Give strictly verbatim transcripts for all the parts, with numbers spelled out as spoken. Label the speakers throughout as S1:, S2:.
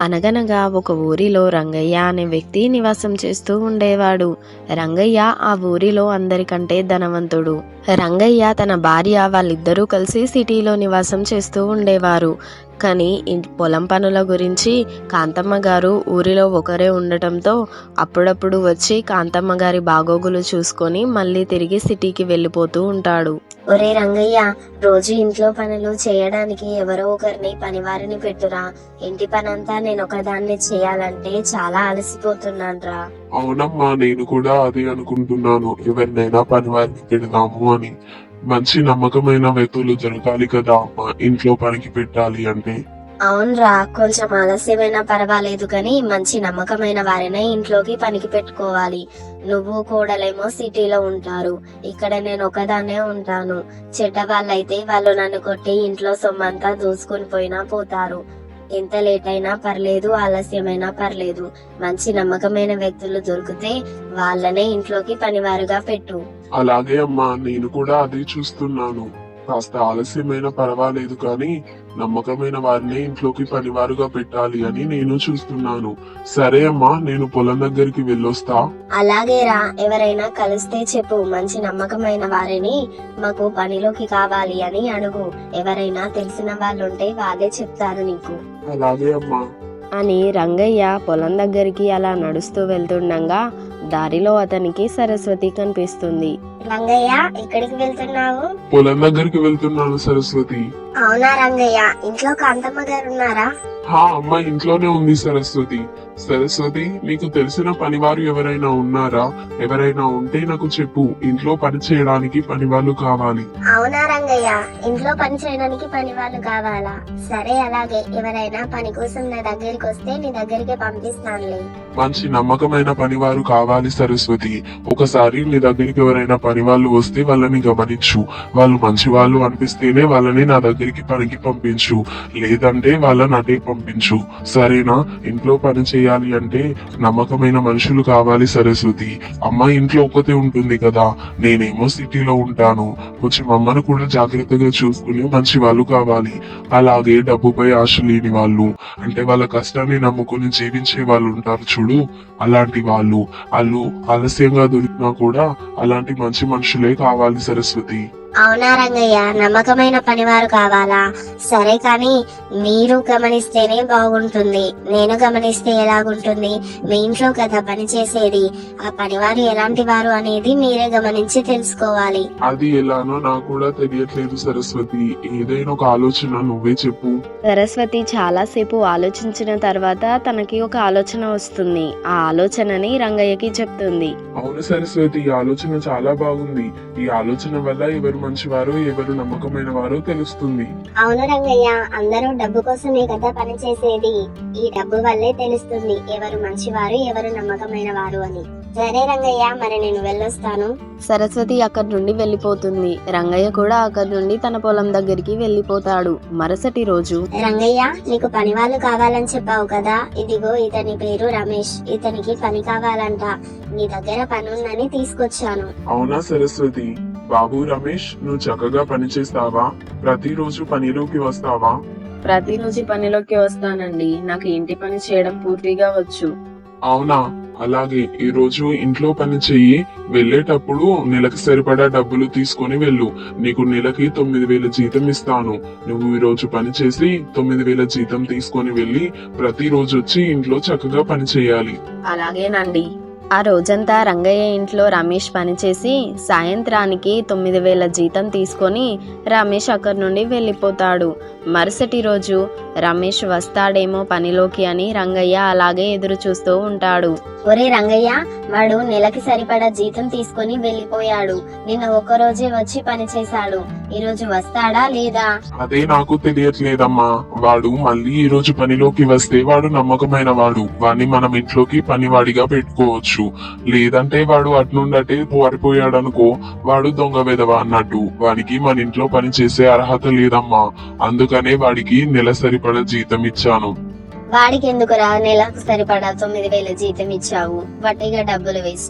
S1: అనగనగా ఒక ఊరిలో రంగయ్య అనే వ్యక్తి నివాసం చేస్తూ ఉండేవాడు. రంగయ్య ఆ ఊరిలో అందరికంటే ధనవంతుడు. రంగయ్య తన భార్య వాళ్ళిద్దరూ కలిసి సిటీలో నివాసం చేస్తూ ఉండేవారు. కానీ ఈ పొలం పనుల గురించి కాంతమ్మ గారు ఊరిలో ఒకరే ఉండటంతో అప్పుడప్పుడు వచ్చి కాంతమ్మ గారి బాగోగులు చూసుకొని మళ్ళీ తిరిగి సిటీకి వెళ్ళిపోతూ ఉంటాడు.
S2: ఒరే రంగయ్య, రోజు ఇంట్లో పనులు చేయడానికి ఎవరో ఒకరిని పనివారిని పెట్టురా. ఇంటి పనంతా నేను ఒకదాన్ని చేయాలంటే చాలా అలసిపోతున్నాను రా.
S3: అవునమ్మా, నేను కూడా అదే అనుకుంటున్నాను. ఎవరినైనా పనివారిని పెడదాము అని. మంచి నమ్మకమైన వ్యక్తులు దొరకాలి కదా అమ్మా, ఇంట్లో పనికి పెట్టాలి అంటే.
S2: అవునరా, కొంచెం ఆలస్యమైనా పర్వాలేదు కానీ మంచి నమ్మకమైన వారినే ఇంట్లోకి పనికి పెట్టుకోవాలి. నువ్వు కోడలేమో సిటీలో ఉంటారు, ఇక్కడ నేను ఒకదాన్నే ఉంటాను. చెడ్డ వాళ్ళైతే వాళ్ళు నన్ను కొట్టి ఇంట్లో సొమ్మంతా దూసుకుని పోయినా పోతారు. ఎంత లేట్ అయినా పర్లేదు, ఆలస్యమైనా పర్లేదు. మంచి నమ్మకమైన వ్యక్తులు దొరికితే వాళ్ళనే ఇంట్లోకి పనివారుగా పెట్టు.
S3: అలాగే అమ్మా, నేను కూడా అదే చూస్తున్నాను. కాస్త ఆలస్యమైన పర్వాలేదు కానీ నమ్మకమైన వారిని ఇంట్లోకి పనివారుగా పెట్టాలి అని నేను చూస్తున్నాను. సరే అమ్మా, నేను పొలం దగ్గరికి వెళ్ళొస్తా.
S2: అలాగేరా, ఎవరైనా కలిస్తే చెప్పు. మంచి నమ్మకమైన వారిని మాకు పనిలోకి కావాలి అని అడుగు. ఎవరైనా తెలిసిన వాళ్ళుంటే వాళ్ళే చెప్తారు నీకు.
S3: అలాగే అమ్మా
S1: అని రంగయ్య పొలం దగ్గరికి అలా నడుస్తూ వెళ్తుండగా దారిలో అతనికి సరస్వతి కనిపిస్తుంది.
S2: రంగయ్య, ఎక్కడికి వెళ్తున్నావు?
S3: పొలం దగ్గరికి వెళ్తున్నాను సరస్వతి.
S2: అవునా రంగయ్య, ఇంట్లో కాంతమ్మ గారు ఉన్నారా?
S3: హా అమ్మ, ఇంట్లోనే ఉంది సరస్వతి. సరస్వతి, నీకు తెలిసిన పనివారు ఎవరైనా ఉన్నారా? ఎవరైనా ఉంటే నాకు చెప్పు. ఇంట్లో పని చేయడానికి పని వాళ్ళు కావాలి.
S2: అవునా రంగయ్య, ఇంట్లో పని చేయడానికి పని వాళ్ళు కావాలా? సరే, అలాగే. ఎవరైనా పని కోసం నా దగ్గరికి వస్తే నీ దగ్గరికి పంపిస్తానులే.
S3: మంచి నమ్మకమైన పనివారు కావాలి సరస్వతి. ఒకసారి నీ దగ్గరికి ఎవరైనా పని వాళ్ళు వస్తే వాళ్ళని గమనించు. వాళ్ళు మంచి వాళ్ళు అనిపిస్తేనే వాళ్ళని నా దగ్గరికి పనికి పంపించు, లేదంటే వాళ్ళని అటే పంపించు. సరేనా? ఇంట్లో పని చేయాలి అంటే నమ్మకమైన మనుషులు కావాలి సరస్వతి. అమ్మ ఇంట్లో ఒక్కతే ఉంటుంది కదా, నేనేమో సిటీలో ఉంటాను. కొంచెం అమ్మను కూడా జాగ్రత్తగా చూసుకుని మంచి వాళ్ళు కావాలి. అలాగే డబ్బుపై ఆశ లేని వాళ్ళు, అంటే వాళ్ళ కష్టాన్ని నమ్ముకుని జీవించే వాళ్ళు ఉంటారు చూడు, అలాంటి వాళ్ళు. వాళ్ళు ఆలస్యంగా దొరికినా కూడా అలాంటి మంచి మనుషులే కావాలి సరస్వతి.
S2: అవునా రంగయ్య, నమ్మకమైన పనివారు కావాలా? సరే, కానీ మీరు గమనిస్తేనే బాగుంటుంది. నేను గమనిస్తే ఎలాగుంటుంది? మీ ఇంట్లో కదా పని చేసేది. ఆ పనివారు ఎలాంటి వారు అనేది మీరే గమనించి తెలుసుకోవాలి.
S3: అది ఎలానో నాకు కూడా తెలియట్లేదు సరస్వతి. ఏదైనా ఒక ఆలోచన నువ్వే చెప్పు.
S1: సరస్వతి చాలాసేపు ఆలోచించిన తర్వాత తనకి ఒక ఆలోచన వస్తుంది. ఆ ఆలోచనని రంగయ్యకి చెప్తుంది.
S3: అవును సరస్వతి, ఈ ఆలోచన చాలా బాగుంది. ఈ ఆలోచన వల్ల ఎవరు మంచివారో ఎవరు నమ్మకమైన వారో తెలుస్తుంది.
S2: అవును రంగయ్య, అందరూ డబ్బు కోసమే కదా పని చేసేది. ఈ డబ్బు వల్లే తెలుస్తుంది ఎవరు మంచివారు ఎవరు నమ్మకమైన వారు అని. సరే రంగయ్య, మరి నేను వెళ్ళొస్తాను.
S1: సరస్వతి అక్కడి నుండి వెళ్ళిపోతుంది. రంగయ్య కూడా అక్కడి నుండి తన పొలం దగ్గరికి వెళ్ళిపోతాడు. మరుసటి రోజు,
S2: రంగయ్య, నీకు పని వాళ్ళు కావాలని చెప్పావు కదా, ఇదిగో ఇతని పేరు రమేష్. ఇతనికి పని కావాలంట. నీ దగ్గర పని ఉందని తీసుకొచ్చాను.
S3: అవునా సరస్వతి? బాబు రమేష్, నువ్వు చక్కగా పని చేస్తావా? ప్రతిరోజు పనిలోకి వస్తావా?
S1: ప్రతిరోజు పనిలోకి వస్తానండి. నాకు ఇంటి పని చేయడం పూర్తిగా వచ్చు.
S3: అవునా? అలాగే ఈ రోజు ఇంట్లో పని చెయ్యి. వెళ్ళేటప్పుడు నెలకు సరిపడా డబ్బులు తీసుకొని వెళ్ళు. నీకు నెలకి తొమ్మిది వేల జీతం ఇస్తాను. నువ్వు ఈ రోజు పని చేసి తొమ్మిది వేల జీతం తీసుకొని వెళ్ళి ప్రతిరోజు వచ్చి ఇంట్లో చక్కగా పని చేయాలి.
S1: అలాగేనండి. ఆ రోజంతా రంగయ్య ఇంట్లో రమేష్ పనిచేసి సాయంత్రానికి తొమ్మిది వేల జీతం తీసుకొని రమేష్ అక్కడి నుండి వెళ్ళిపోతాడు. మరుసటి రోజు రమేష్ వస్తాడేమో పనిలోకి అని రంగయ్య అలాగే ఎదురు చూస్తూ ఉంటాడు.
S2: ఒరే రంగయ్య, వాడు నెలకి సరిపడా జీతం తీసుకొని వెళ్ళిపోయాడు. నిన్న ఒక్క రోజే వచ్చి పని చేశాడు. ఈ రోజు వస్తాడా లేదా?
S3: అదే నాకు తెలియట్లేదమ్మా. వాడు మళ్ళీ ఈ రోజు పనిలోకి వస్తే వాడు నమ్మకమైన వాడు. వాడిని మనం ఇంట్లోకి పనివాడిగా పెట్టుకోవచ్చు. లేదంటే వాడు అట్నుండటే పారిపోయాడు అనుకో, వాడు దొంగ వెధవ అన్నట్టు. వాడికి మన ఇంట్లో పని చేసే అర్హత లేదమ్మా. అందుకనే వాడికి నెల సరిపడా జీతం ఇచ్చాను.
S2: వాడికి ఎందుకురా నెలకు సరిపడా తొమ్మిది వేల జీతం ఇచ్చావు? వట్టిగా డబ్బులు వేస్ట్.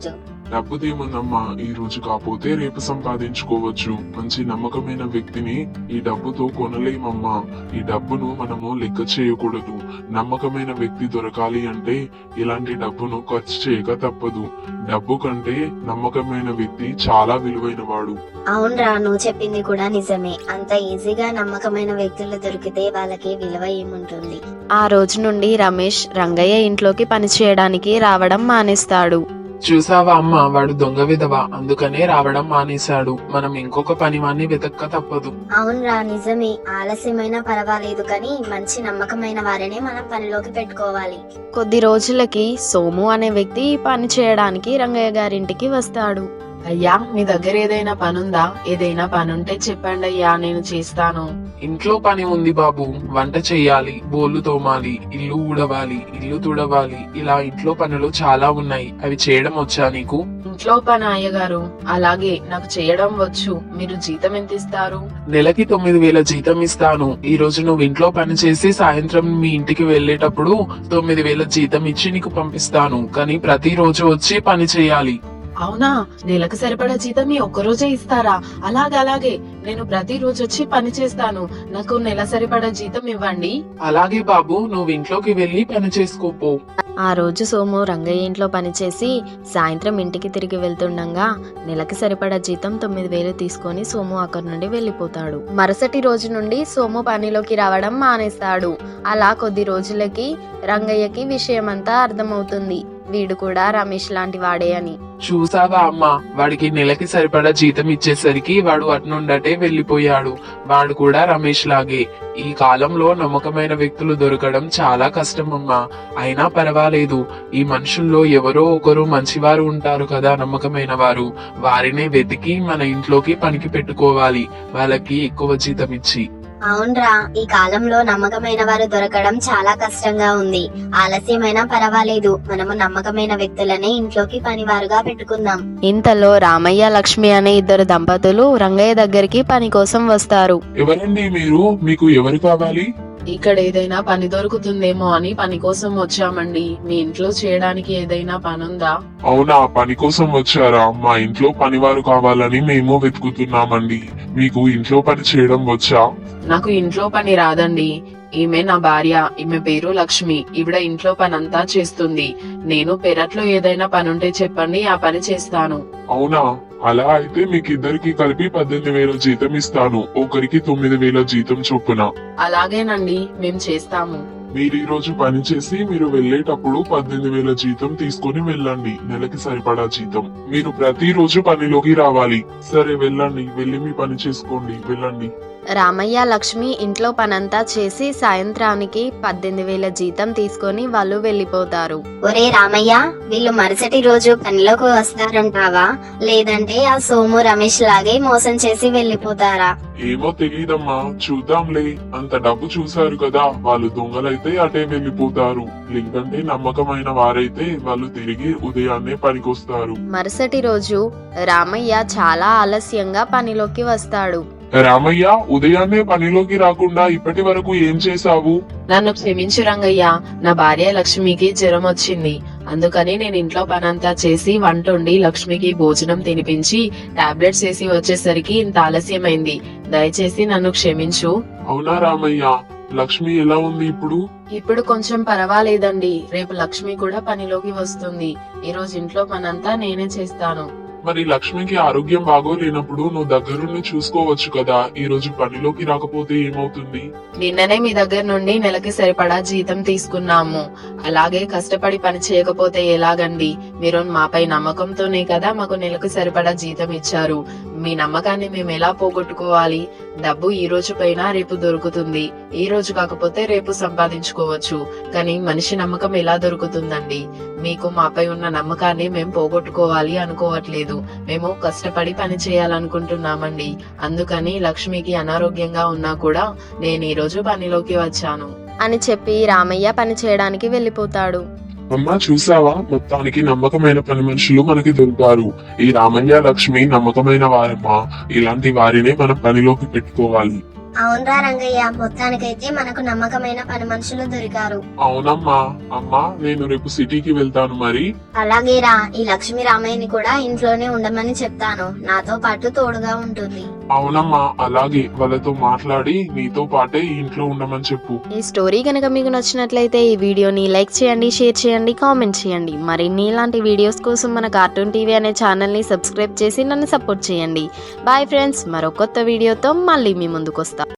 S3: డబ్బుదేముందమ్మా, ఈ రోజు కాకపోతే రేపు సంపాదించుకోవచ్చు. మంచి నమ్మకమైన వ్యక్తిని ఈ డబ్బుతో కొనలేమమ్మా. ఈ డబ్బును మనము లెక్క చేయకూడదు. నమ్మకమైన వ్యక్తి దొరకాలి అంటే ఇలాంటి డబ్బును ఖర్చు చేయక తప్పదు. డబ్బు కంటే నమ్మకమైన వ్యక్తి చాలా విలువైన వాడు.
S2: అవునరా, నువ్వు చెప్పింది కూడా నిజమే. అంత ఈజీగా నమ్మకమైన వ్యక్తులు దొరికితే వాళ్ళకి విలువ ఏముంటుంది.
S1: ఆ రోజు నుండి రమేష్ రంగయ్య ఇంట్లోకి పనిచేయడానికి రావడం మానేస్తాడు.
S4: చూసావా అమ్మ, వాడు దొంగ విధవ, అందుకనే రావడం మానేశాడు. మనం ఇంకొక పనివాణ్ణి వెతక్క తప్పదు.
S2: అవునరా, నిజమే. ఆలస్యమైనా పర్వాలేదు కానీ మంచి నమ్మకమైన వారినే మనం పనిలోకి పెట్టుకోవాలి.
S1: కొద్ది రోజులకి సోము అనే వ్యక్తి పని చేయడానికి రంగయ్య గారింటికి వస్తాడు.
S5: అయ్యా, మీ దగ్గర ఏదైనా పనుందా? ఏదైనా పనుంటే చెప్పండి అయ్యా, నేను చేస్తాను.
S4: ఇంట్లో పని ఉంది బాబు. వంట చెయ్యాలి, బోళ్లు తోమాలి, ఇల్లు ఊడవాలి, ఇల్లు తుడవాలి, ఇలా ఇంట్లో పనులు చాలా ఉన్నాయి. అవి చేయడం వచ్చా నీకు?
S5: ఇంట్లో పని అయ్యగారు, అలాగే నాకు చేయడం వచ్చు. మీరు జీతం ఎంత ఇస్తారు?
S4: నెలకి తొమ్మిది వేల జీతం ఇస్తాను. ఈ రోజు నువ్వు ఇంట్లో పని చేసి సాయంత్రం మీ ఇంటికి వెళ్లేటప్పుడు తొమ్మిది వేల జీతం ఇచ్చి నీకు పంపిస్తాను. కానీ ప్రతిరోజు వచ్చి పని చేయాలి.
S5: అవునా? నెలకు సరిపడా జీతం ఈ ఒక్కరోజే ఇస్తారా? అలాగే అలాగే, నేను ప్రతిరోజు వచ్చి పని చేస్తాను. నాకు నెల సరిపడా జీతం ఇవ్వండి.
S4: అలాగే బాబు, నువ్వు ఇంట్లోకి వెళ్లి పని చేసుకోపో.
S1: ఆ రోజు సోము రంగయ్య ఇంట్లో పనిచేసి సాయంత్రం ఇంటికి తిరిగి వెళ్తుండగా నెలకి సరిపడా జీతం తొమ్మిది వేలు తీసుకొని సోము అక్కడి నుండి వెళ్లిపోతాడు. మరుసటి రోజు నుండి సోము పనిలోకి రావడం మానేస్తాడు. అలా కొద్ది రోజులకి రంగయ్యకి విషయమంతా అర్థమవుతుంది. వీడు కూడా రమేష్ లాంటి వాడే అని.
S4: చూసావా అమ్మా, వాడికి నెలకి సరిపడా జీతం ఇచ్చేసరికి వాడు అట్నుండటే వెళ్లిపోయాడు. వాడు కూడా రమేష్ లాగే. ఈ కాలంలో నమ్మకమైన వ్యక్తులు దొరకడం చాలా కష్టం అమ్మా. అయినా పర్వాలేదు, ఈ మనుషుల్లో ఎవరో ఒకరు మంచివారు ఉంటారు కదా, నమ్మకమైన వారు. వారినే వెతికి మన ఇంట్లోకి పనికి పెట్టుకోవాలి, వాళ్ళకి ఎక్కువ జీతం ఇచ్చి.
S2: అవునరా, ఈ కాలంలో నమ్మకమైన వారు దొరకడం చాలా కష్టంగా ఉంది. ఆలస్యమైనా పర్వాలేదు, మనము నమ్మకమైన వ్యక్తులనే ఇంట్లోకి పనివారుగా పెట్టుకుందాం.
S1: ఇంతలో రామయ్య లక్ష్మి అనే ఇద్దరు దంపతులు రంగయ్య దగ్గరికి పని కోసం వస్తారు.
S3: ఎవరండి మీరు? మీకు ఎవరు కావాలి?
S5: ఇక్కడ ఏదైనా పని దొరుకుతుందేమో అని పని కోసం వచ్చామండి. మీ ఇంట్లో చేయడానికి ఏదైనా పనుందా?
S3: అవునా, పని కోసం వచ్చారా? మా ఇంట్లో పనివారు కావాలని మేము వెతుకుతున్నామండి. మీకు ఇంట్లో పని చేయడం వచ్చా?
S5: నాకు ఇంట్లో పని రాదండి. ఈమె నా భార్య, ఈమె పేరు లక్ష్మి. ఈవిడ ఇంట్లో పని అంతా చేస్తుంది. నేను పెరట్లో ఏదైనా పనుంటే చెప్పండి, ఆ పని చేస్తాను.
S3: అవునా, అలా అయితే మీకు ఇద్దరికి కలిపి పద్దెనిమిది వేల జీతం ఇస్తాను. ఒకరికి తొమ్మిది వేల జీతం చొప్పున.
S5: అలాగేనండి, మేం చేస్తాము.
S3: మీరు ఈ రోజు పని చేసి మీరు వెళ్లేటప్పుడు పద్దెనిమిది వేల జీతం తీసుకొని వెళ్ళండి. నెలకి సరిపడా జీతం. మీరు ప్రతిరోజు పనిలోకి రావాలి. సరే వెళ్ళండి, వెళ్ళి మీ పని చేసుకోండి, వెళ్ళండి.
S1: రామయ్య లక్ష్మి ఇంట్లో పనంతా చేసి సాయంత్రానికి పద్దెనిమిది వేల జీతం తీసుకొని వాళ్ళు వెళ్లిపోతారు.
S2: ఒరే రామయ్య, వీళ్ళు మరుసటి రోజు పనిలోకి వస్తారంటావా? లేదంటే ఆ సోము రమేష్ లాగే మోసం చేసి వెళ్లిపోతారా?
S3: ఏమో తెలీదమ్మా, చూద్దాంలే. అంత డబ్బు చూశారు కదా, వాళ్ళు దొంగలైతే అటే వెళ్లిపోతారు. లేదంటే నమ్మకమైన వారైతే వాళ్ళు తిరిగి ఉదయాన్నే పనికొస్తారు.
S1: మరుసటి రోజు రామయ్య చాలా ఆలస్యంగా పనిలోకి వస్తాడు.
S3: రామయ్య, ఉదయాన్నే పనిలోకి రాకుండా ఇప్పటి వరకు ఏం చేశావు?
S5: నన్ను క్షమించు రంగయ్య, నా భార్య లక్ష్మికి జ్వరం వచ్చింది. అందుకని నేను ఇంట్లో పనంతా చేసి వంట వండి లక్ష్మికి భోజనం తినిపించి టాబ్లెట్స్ వేసి వచ్చేసరికి ఇంత ఆలస్యమైంది. దయచేసి నన్ను క్షమించు.
S3: అవునా రామయ్య, లక్ష్మి ఎలా ఉంది ఇప్పుడు?
S5: ఇప్పుడు కొంచెం పర్వాలేదండి. రేపు లక్ష్మి కూడా పనిలోకి వస్తుంది. ఈ రోజు ఇంట్లో పనంతా నేనే చేస్తాను.
S3: మరి లక్ష్మికి ఆరోగ్యం బాగోలేనప్పుడు నువ్వు దగ్గరుండి చూసుకోవచ్చు కదా. ఈ రోజు పనిలోకి రాకపోతే ఏమవుతుంది?
S5: నిన్ననే మీ దగ్గర నుండి నెలకి సరిపడా జీతం తీసుకున్నాము. అలాగే కష్టపడి పని చేయకపోతే ఎలాగండి? మీరు మాపై నమ్మకంతోనే కదా మాకు నెలకు సరిపడా జీతం ఇచ్చారు. మీ నమ్మకాన్ని మేము ఎలా పోగొట్టుకోవాలి? డబ్బు ఈ రోజు పైన రేపు దొరుకుతుంది. ఈ రోజు కాకపోతే రేపు సంపాదించుకోవచ్చు. కానీ మనిషి నమ్మకం ఎలా దొరుకుతుందండి? మీకు మాపై ఉన్న నమ్మకాన్ని మేము పోగొట్టుకోవాలి అనుకోవట్లేదు. మేము కష్టపడి పని చేయాలనుకుంటున్నామండి. అందుకని లక్ష్మికి అనారోగ్యంగా ఉన్నా కూడా నేను ఈ రోజు పనిలోకి వచ్చాను
S1: అని చెప్పి రామయ్య పని చేయడానికి వెళ్లిపోతాడు.
S3: అమ్మా, చూసావా, మొత్తానికి నమ్మకమైన పని మనుషులు మనకి దొరికారు. ఈ రామయ్య లక్ష్మి నమ్మకమైన వారమ్మా. ఇలాంటి వారినే మనం పనిలోకి పెట్టుకోవాలి.
S2: అవునరా రంగయ్య, మొత్తానికైతే మనకు నమ్మకమైన పని మనుషులు దొరికారు.
S3: అవునమ్మా. అమ్మా నేను రేపు సిటీకి వెళ్తాను మరి.
S2: అలాగేరా, ఈ లక్ష్మీ రామయ్యని కూడా ఇంట్లోనే ఉండమని చెప్తాను, నాతో పాటు తోడుగా ఉంటుంది.
S3: అవునమ్మా, అలాగే వాళ్ళతో మాట్లాడి నీతో పాటే ఈ ఇంట్లో ఉండమని చెప్పు.
S1: ఈ స్టోరీ కనుక మీకు నచ్చినట్లయితే ఈ వీడియోని లైక్ చేయండి, షేర్ చేయండి, కామెంట్ చేయండి. మరిన్ని ఇలాంటి వీడియోస్ కోసం మన కార్టూన్ టీవీ అనే ఛానల్ని సబ్స్క్రైబ్ చేసి నన్ను సపోర్ట్ చేయండి. బాయ్ ఫ్రెండ్స్, మరో కొత్త వీడియోతో మళ్ళీ మీ ముందుకు వస్తా.